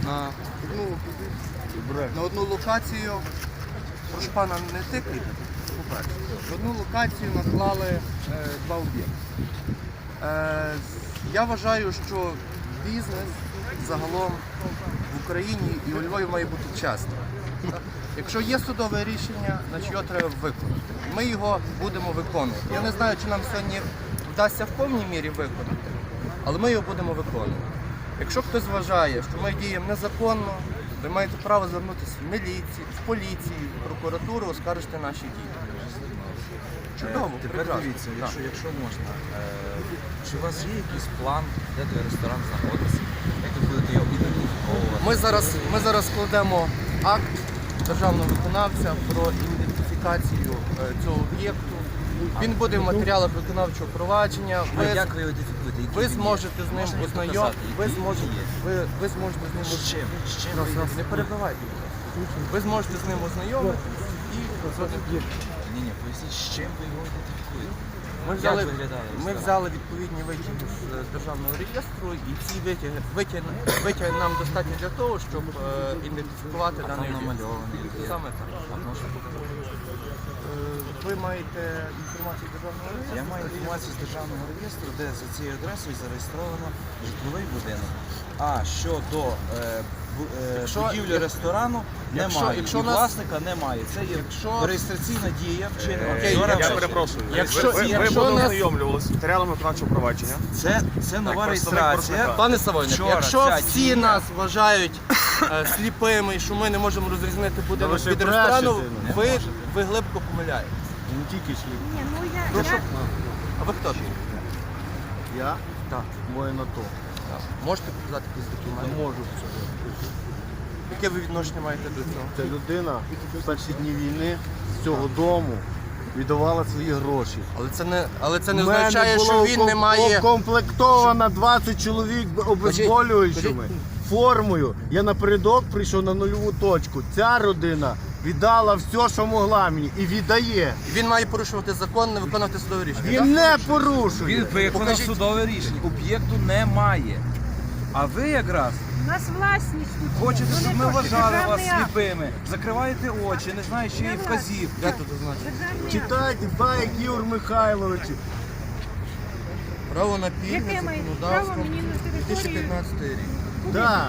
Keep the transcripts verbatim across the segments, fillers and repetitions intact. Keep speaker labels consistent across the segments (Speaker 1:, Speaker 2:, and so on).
Speaker 1: на одну, на одну локацію. Прошу пана, не тикайте, по-перше. На одну локацію наклали е, два об'єкти. Е, я вважаю, що бізнес загалом в Україні і у Львові має бути чесним. Якщо є судове рішення, значить його треба виконати. Ми його будемо виконувати. Я не знаю, чи нам сьогодні вдасться в повній мірі виконати, але ми його будемо виконувати. Якщо хтось вважає, що ми діємо незаконно, ви маєте право звернутися в міліцію, в поліцію, в прокуратуру, оскаржити наші дії. Чудово,
Speaker 2: тепер
Speaker 1: прекрасно.
Speaker 2: дивіться, якщо, якщо можна, е, чи у вас є якийсь план, де той ресторан знаходиться, як ви будете його ідентифіковувати?
Speaker 1: Ми зараз, ми зараз складемо акт державного виконавця про ідентифікацію е, цього об'єкту. Він буде в матеріалах виконавчого провадження.
Speaker 2: А
Speaker 1: Ви,
Speaker 2: як ви його ідентифікуєте? Який
Speaker 1: ви
Speaker 2: він є?
Speaker 1: зможете з ним
Speaker 2: Можете мені
Speaker 1: ознайомитися.
Speaker 2: показати,
Speaker 1: Ви
Speaker 2: який
Speaker 1: зможете,
Speaker 2: він є?
Speaker 1: ви, ви зможете з ним
Speaker 2: З чим? З чим ви
Speaker 1: Не
Speaker 2: ідентифікуєте?
Speaker 1: перебивайте. Ви зможете з ним ознайомитися і
Speaker 2: Ні, ні, поясніть, з чим ви його ідентифікуєте?
Speaker 1: Ми взяли,
Speaker 2: Як виглядає
Speaker 1: ми
Speaker 2: ресторан?
Speaker 1: взяли відповідні витяги з е, державного реєстру, і ці витяги, витяги, витяги нам достатньо для того, щоб е, ідентифікувати
Speaker 2: А
Speaker 1: даний
Speaker 2: там
Speaker 1: об'єкт.
Speaker 2: намальований є.
Speaker 1: Саме так.
Speaker 2: А можете показати?
Speaker 1: Е, Ви маєте інформацію з державного реєстру?
Speaker 2: Я маю інформацію з державного реєстру, де за цією адресою зареєстровано житловий будинок. А щодо е, бу- е,
Speaker 1: Якщо-
Speaker 2: будівлі ресторану
Speaker 1: якщо-
Speaker 2: немає.
Speaker 1: якщо
Speaker 2: І
Speaker 1: нас-
Speaker 2: власника немає. Це є
Speaker 1: Якщо-
Speaker 2: реєстраційна дія вчинена
Speaker 1: Окей,
Speaker 2: вчора.
Speaker 1: я
Speaker 3: Я
Speaker 2: ввечері.
Speaker 3: перепрошую.
Speaker 1: Якщо-
Speaker 3: ви, ви,
Speaker 1: якщо
Speaker 3: ви
Speaker 1: нас-
Speaker 3: ознайомлювалися з матеріалами виконавчого провадження.
Speaker 2: Це, це нова
Speaker 3: представник
Speaker 2: реєстрація.
Speaker 3: Порошенка.
Speaker 1: Пане Савойник,
Speaker 2: Вчора
Speaker 1: якщо
Speaker 2: ця
Speaker 1: всі
Speaker 2: дія-
Speaker 1: нас вважають е, сліпими, що ми не можемо розрізнити будинок
Speaker 4: ви ще
Speaker 1: від
Speaker 4: брешете,
Speaker 1: ресторану,
Speaker 4: не
Speaker 1: ви, ви глибко помиляєте.
Speaker 4: Не тільки шліп.
Speaker 5: Ні, ну я,
Speaker 1: Прошу.
Speaker 5: я
Speaker 1: А ви хто такий?
Speaker 4: Я
Speaker 1: Так.
Speaker 4: воїн АТО.
Speaker 1: Можете показати якісь документи?
Speaker 4: Не можу.
Speaker 1: Яке ви відношення маєте до цього?
Speaker 4: Ця людина в перші дні війни з цього дому віддавала свої гроші.
Speaker 1: Але це не, але це не
Speaker 4: У мене
Speaker 1: означає, що
Speaker 4: було
Speaker 1: він не
Speaker 4: ком-
Speaker 1: має.
Speaker 4: укомплектовано двадцять чоловік обезболюючими, формою. Я напередок прийшов на нульову точку. Ця родина віддала все, що могла мені, і віддає.
Speaker 1: Він має порушувати закон, не виконувати судове рішення.
Speaker 4: Він
Speaker 1: так?
Speaker 4: не порушує.
Speaker 2: Він виконав
Speaker 1: Покажіть.
Speaker 2: судове рішення. Об'єкту немає. А ви якраз
Speaker 5: у нас власність тут.
Speaker 2: хочете,
Speaker 5: Ну,
Speaker 2: щоб
Speaker 5: не
Speaker 2: ми
Speaker 5: то, що
Speaker 2: вважали вас
Speaker 5: державний акт.
Speaker 2: сліпими. Закриваєте очі, не знаєте, що є
Speaker 5: Це
Speaker 2: вказів.
Speaker 1: Де тут означено?
Speaker 5: Державний акт.
Speaker 4: Читайте, Баєк Ігор Михайлович.
Speaker 1: Право на пільне
Speaker 5: Яке має право
Speaker 1: законодавством
Speaker 5: мені на
Speaker 1: дві тисячі
Speaker 5: територію?
Speaker 1: п'ятнадцятий рік.
Speaker 4: Да.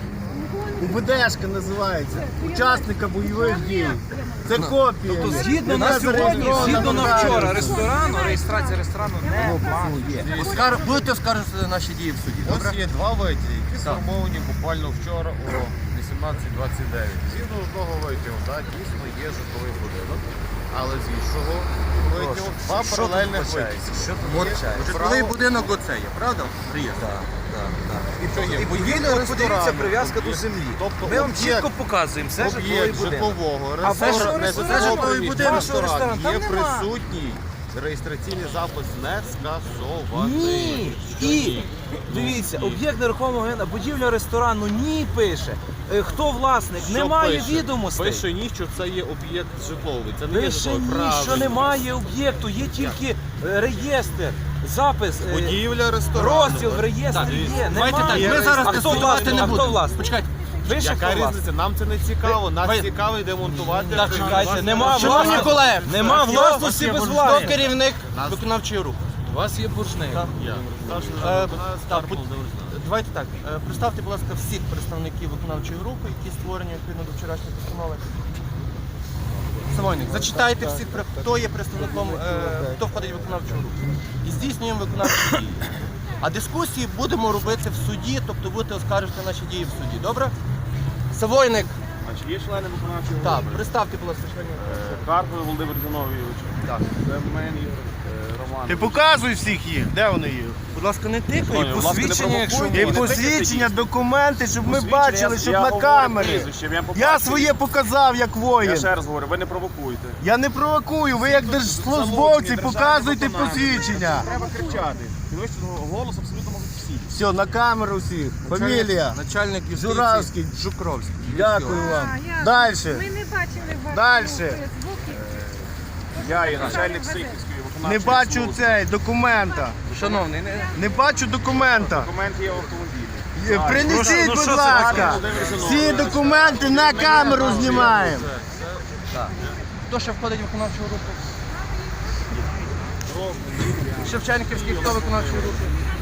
Speaker 4: УБДшка називається. Учасника бойових дій. Це копія.
Speaker 2: Тобто згідно на
Speaker 4: Яка
Speaker 2: сьогодні,
Speaker 4: зареєстрована
Speaker 2: згідно
Speaker 4: в
Speaker 2: на
Speaker 4: Раді.
Speaker 2: вчора ресторану, реєстрація ресторану немає.
Speaker 1: Оскар... Будете оскаржувати наші дії в суді, добре?
Speaker 6: Ось є два витяги, які сформовані буквально вчора о вісімнадцять двадцять дев'ять. Згідно одного витягу, так, дійсно є житловий будинок, але з іншого витягу два
Speaker 2: Що тут
Speaker 6: паралельних
Speaker 2: вбачається?
Speaker 6: витяги.
Speaker 2: Що тут
Speaker 1: От
Speaker 2: вбачається?
Speaker 1: житловий будинок оце є, правда? Реєстр.
Speaker 2: І,
Speaker 6: Що є?
Speaker 2: і
Speaker 6: Будівля
Speaker 2: подивіться, подивіться
Speaker 6: ресторану.
Speaker 2: прив'язка до землі.
Speaker 6: Тобто
Speaker 2: Ми вам
Speaker 6: об'єкт-
Speaker 2: чітко показуємо, це житловий
Speaker 6: Об'єкт
Speaker 2: будинок.
Speaker 6: житлового
Speaker 2: А вашого
Speaker 6: ресторану, не
Speaker 2: ресторану,
Speaker 6: житлового
Speaker 1: житловий
Speaker 6: приміщення,
Speaker 1: будинок,
Speaker 2: вашого
Speaker 6: ресторану
Speaker 2: ресторану,
Speaker 6: є
Speaker 2: там нема.
Speaker 6: присутній реєстраційний запис не скасований.
Speaker 2: Ні. І дивіться, об'єкт нерухомого майна, будівля ресторану ні пише. Е, Хто власник?
Speaker 6: Що
Speaker 2: Немає
Speaker 6: пише?
Speaker 2: відомостей.
Speaker 6: Пише ні, що це є об'єкт житловий. Це не є
Speaker 2: Пише
Speaker 6: житловий.
Speaker 2: ні,
Speaker 6: Правильно.
Speaker 2: що немає об'єкту, є тільки е, реєстр, запис, е,
Speaker 6: Будівля ресторану.
Speaker 2: розділ в реєстрі є.
Speaker 1: Давайте так,
Speaker 2: Немає.
Speaker 1: ми зараз
Speaker 2: А хто
Speaker 1: тестувати
Speaker 2: власник?
Speaker 1: не
Speaker 2: А хто
Speaker 1: будемо.
Speaker 2: власник?
Speaker 1: Почекайте.
Speaker 2: Пише,
Speaker 6: Яка
Speaker 2: хто власник?
Speaker 6: різниця? Нам це не цікаво. Нас
Speaker 1: Ви-
Speaker 6: цікавить демонтувати.
Speaker 2: Так,
Speaker 6: це
Speaker 2: чекайте,
Speaker 6: власне
Speaker 2: нема
Speaker 1: Шановні
Speaker 2: власності.
Speaker 1: колеги,
Speaker 2: Нема
Speaker 1: хто-
Speaker 2: власності без
Speaker 1: Хто
Speaker 2: власника.
Speaker 1: керівник виконавчої руху?
Speaker 2: У вас є боржник.
Speaker 6: Я. Старший
Speaker 1: Е,
Speaker 6: виконавець
Speaker 1: так,
Speaker 6: Карпов
Speaker 1: будь-
Speaker 6: Володимир.
Speaker 1: Давайте так. е, Представте, будь ласка, всіх представників виконавчої групи, які створені відповідно до вчорашньої постанови. Самойник, зачитайте всіх, при- хто є представником, е, хто входить в виконавчу групу. І здійснюємо виконавчі дії. А дискусії будемо робити в суді, тобто будете оскаржувати наші дії в суді. Добре? Савойник,
Speaker 6: А чи є члени виконавчої
Speaker 1: так,
Speaker 6: групи?
Speaker 1: представте, будь ласка, членів.
Speaker 6: Е, Карпов Володимир Зіновійович.
Speaker 1: Так.
Speaker 6: Семен Ігор е, Роман.
Speaker 4: Ти показуй всіх їх. Де вони є?
Speaker 1: Будь ласка, не тикай.
Speaker 6: Будь ласка, не
Speaker 2: посвідчення, якщо
Speaker 6: провокуйте.
Speaker 4: І
Speaker 6: Не тикайте
Speaker 4: посвідчення,
Speaker 6: їх.
Speaker 4: документи, щоб ми
Speaker 6: Посвідчення,
Speaker 4: бачили,
Speaker 6: я-
Speaker 4: щоб
Speaker 6: я
Speaker 4: на
Speaker 6: говорю
Speaker 4: камері.
Speaker 6: прізвище, я по
Speaker 4: Я
Speaker 6: факту.
Speaker 4: своє показав, як
Speaker 6: Я
Speaker 4: воїн.
Speaker 6: ще раз говорю, ви не провокуйте.
Speaker 4: Я не провокую, ви як держслужбовці показуйте посвідчення.
Speaker 6: Треба кричати. Підвищити голос абсолютно можуть всі.
Speaker 4: Все, на камеру всіх. Фамілія.
Speaker 1: Начальник юстиції
Speaker 4: Журавський.
Speaker 1: Жукровський.
Speaker 4: Дякую вам.
Speaker 5: А, я-
Speaker 4: Дальше.
Speaker 5: Ми не бачили вашого
Speaker 4: Дальше.
Speaker 5: Фейсбуці.
Speaker 6: Я є начальник Сихівської виконавчої
Speaker 4: Не бачу
Speaker 6: служби.
Speaker 4: цей документа.
Speaker 1: Шановний, не...
Speaker 4: Не бачу документа.
Speaker 6: Документ є в автомобілі.
Speaker 4: Принесіть,
Speaker 3: Ну,
Speaker 4: будь
Speaker 3: що це,
Speaker 4: ласка,
Speaker 3: гарно, Володимир Зіновійович.
Speaker 4: всі документи на камеру знімаємо.
Speaker 1: Так. Хто ще входить в виконавчу групу? Шевченківський, хто виконавчої групи?